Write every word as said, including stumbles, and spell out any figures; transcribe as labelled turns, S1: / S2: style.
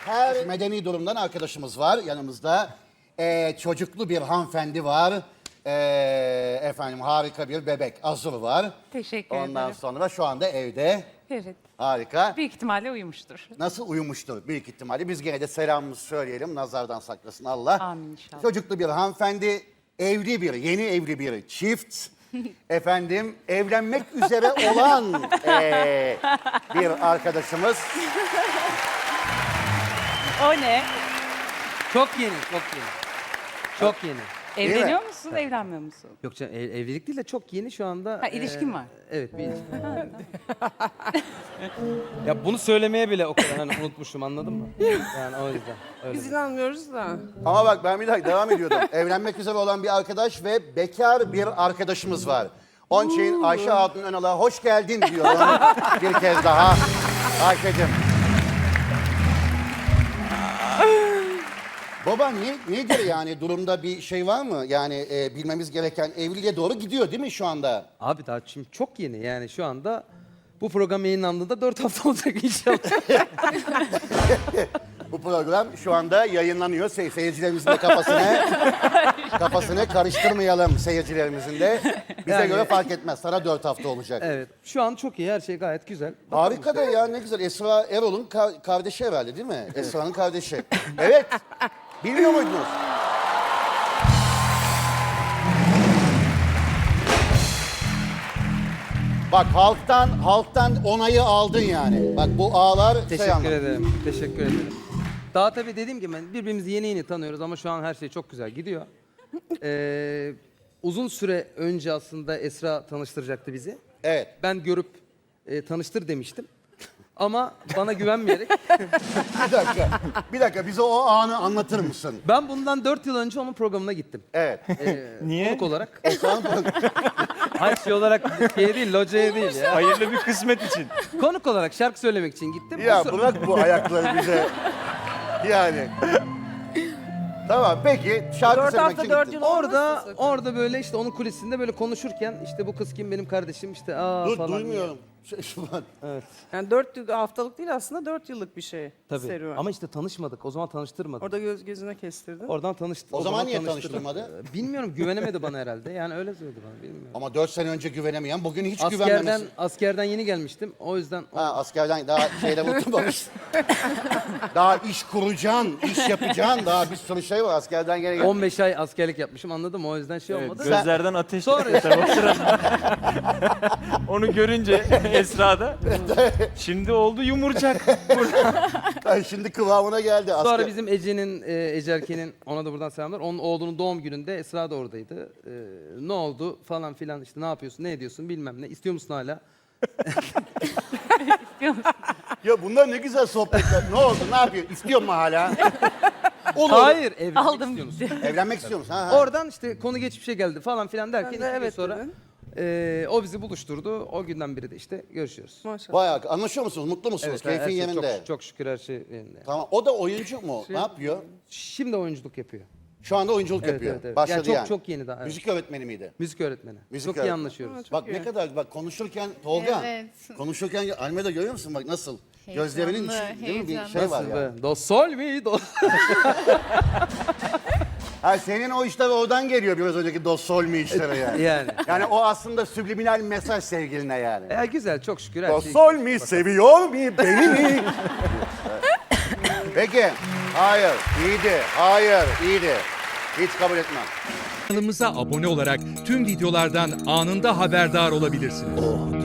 S1: Her medeni durumdan arkadaşımız var yanımızda. Ee, çocuklu bir hanımefendi var. Ee, efendim harika bir bebek Azur var.
S2: Teşekkür
S1: Ondan
S2: ederim.
S1: sonra şu anda evde.
S2: Evet.
S1: Harika.
S2: Büyük ihtimalle uyumuştur.
S1: Nasıl uyumuştur büyük ihtimalle. Biz gene de selamımızı söyleyelim. Nazardan saklasın Allah.
S2: Amin inşallah.
S1: Çocuklu bir hanımefendi, evli bir, yeni evli bir çift. Efendim evlenmek üzere olan ee, bir arkadaşımız.
S2: O ne?
S3: Çok yeni, çok yeni. Çok yeni.
S2: Evleniyor
S1: mi?
S2: musun, evlenmiyor musun?
S3: Yok canım, ev- evlilik değil de çok yeni şu anda.
S2: Ha, ilişkin
S3: eee,
S2: var.
S3: Evet, bir ilişkin. Ya bunu söylemeye bile o kadar hani unutmuşum, anladın mı? Yani o yüzden. Öyle.
S4: Biz inanmıyoruz da.
S1: Ama bak ben bir dakika devam ediyordum. Evlenmek üzere olan bir arkadaş ve bekar bir arkadaşımız var. Onun için Ayşe Hatun Önal'a hoş geldin diyorum bir kez daha. Ayşe'cim. Baba ne, nedir yani durumda bir şey var mı? Yani e, bilmemiz gereken evliliğe doğru gidiyor değil mi şu anda?
S3: Abi daha şimdi çok yeni yani şu anda bu program yayınlandığında dört hafta olacak inşallah.
S1: Bu program şu anda yayınlanıyor. Se seyircilerimizin de kafasını, kafasını karıştırmayalım seyircilerimizin de. Bize
S3: Yani-
S1: göre fark etmez. Sana dört hafta olacak.
S3: Evet, şu an çok iyi, her şey gayet güzel.
S1: Harika da ya ne güzel. Esra Erol'un ka- kardeşi herhalde değil mi? Esra'nın kardeşi. Evet. Bilmiyor muydunuz? Bak halktan halktan onayı aldın yani. Bak bu ağlar şey
S3: Teşekkür
S1: anlamında.
S3: ederim, teşekkür ederim. Daha tabii dediğim gibi ben- birbirimizi yeni yeni tanıyoruz ama şu an her şey çok güzel gidiyor. Ee, uzun süre önce aslında Esra tanıştıracaktı bizi.
S1: Evet.
S3: Ben görüp e, tanıştır demiştim. Ama bana güvenmeyerek
S1: Bir dakika. Bir dakika bize o anı anlatır mısın?
S3: ben bundan dört yıl önce onun programına gittim.
S1: Evet.
S3: Niye? Konuk olarak.
S1: Esra'nın
S3: Hayır şey olarak şey değil, locaya değil ya.
S5: Hayırlı bir kısmet için.
S3: Konuk olarak şarkı söylemek için gittim. O
S1: Ya
S3: sıra-
S1: bırak bu ayakları bize. Yani. Tamam peki şarkı
S4: Dört
S1: söylemek
S4: hafta
S1: için
S4: dört
S1: gittin.
S4: yıl
S3: Orada
S4: olmazsa sakın.
S3: orada böyle işte onun kulisinde böyle konuşurken işte bu kız kim benim kardeşim işte aa
S1: Dur
S3: falan.
S1: duymuyorum. Şey, şu an.
S3: Evet.
S4: Yani dört yıl- haftalık değil aslında dört yıllık bir şey.
S3: Tabii.
S4: Serüven.
S3: Ama işte tanışmadık. O zaman tanıştırmadık.
S4: Orada göz gözüne kestirdin.
S3: Oradan tanıştık.
S1: O zaman niye
S3: tanıştırmadı?
S1: tanıştırmadı?
S3: Ee, Bilmiyorum, güvenemedi bana herhalde. Yani öyle söyledi bana, bilmiyorum.
S1: Ama dört sene önce güvenemeyen bugün hiç
S3: Askerden
S1: güvenmemesi.
S3: askerden yeni gelmiştim. O yüzden
S1: Ha askerden daha şeyde unutmamış. Daha iş kuracaksın, iş yapacaksın. Daha bir sürü şey var askerden gene.
S3: on beş ay askerlik yapmışım, anladın mı? O yüzden şey
S5: Evet,
S3: olmadı.
S5: gözlerden ateş
S3: Sonra
S5: çıktı tabii o sırada. Onu görünce Esra'da şimdi oldu yumurcak.
S1: Ay, şimdi kıvamına geldi. Asker...
S3: Sonra bizim Ece'nin, e, Ece Erken'in, ona da buradan selamlar. Onun oğlunun doğum gününde Esra da oradaydı. E, ne oldu falan filan işte ne yapıyorsun, ne ediyorsun bilmem ne. İstiyor musun hala?
S2: İstiyor musun?
S1: Ya bunlar ne güzel sohbetler. Ne oldu? Ne yapıyor? İstiyor mu hala? Olur.
S3: Hayır, evlenmek
S2: Aldım
S3: istiyor musun?
S2: gitti.
S1: Evlenmek istiyor musun? Ha, ha.
S3: Oradan işte konu geçmişe geldi falan filan derken
S4: Ben
S3: iki
S4: de
S3: gün
S4: evet
S3: sonra
S4: dedin.
S3: e, o bizi buluşturdu. O günden beri de işte görüşüyoruz.
S4: Maşallah.
S1: Bayağı anlaşıyor musunuz? Mutlu musunuz?
S3: her
S1: Keyfin
S3: şey
S1: yerinde.
S3: Çok, çok şükür her şey yerinde.
S1: Tamam. O da oyuncu mu? Ne yapıyor?
S3: Şimdi oyunculuk yapıyor.
S1: Şu anda oyunculuk
S3: Evet,
S1: yapıyor.
S3: evet, evet.
S1: Başladı
S3: Yani çok
S1: yani.
S3: çok yeni daha. evet.
S1: Müzik öğretmeni miydi?
S3: Müzik öğretmeni.
S1: Müzik
S3: çok iyi
S1: öğretmeni.
S3: anlaşıyoruz.
S1: Bak ne kadar bak konuşurken Tolga.
S6: Evet.
S1: Konuşurken Almeda görüyor musun bak nasıl?
S6: Heyecanlı,
S1: Gözlerinin içi değil mi bir
S6: heyecanlı.
S1: şey var
S3: Nasıl
S1: ya.
S3: be? Do sol mi? Do...
S1: Ha senin o işler oradan geliyor biraz önceki do sol mi işleri yani.
S3: yani.
S1: Yani o aslında subliminal mesaj sevgiline yani.
S3: E, güzel çok şükür her
S1: Do
S3: şey.
S1: sol mi seviyor mu beni mi? Peki. Hayır. iyiydi. Hayır. iyiydi. Hiç kabul etmem.
S7: Kanalımıza abone olarak tüm videolardan anında haberdar olabilirsiniz.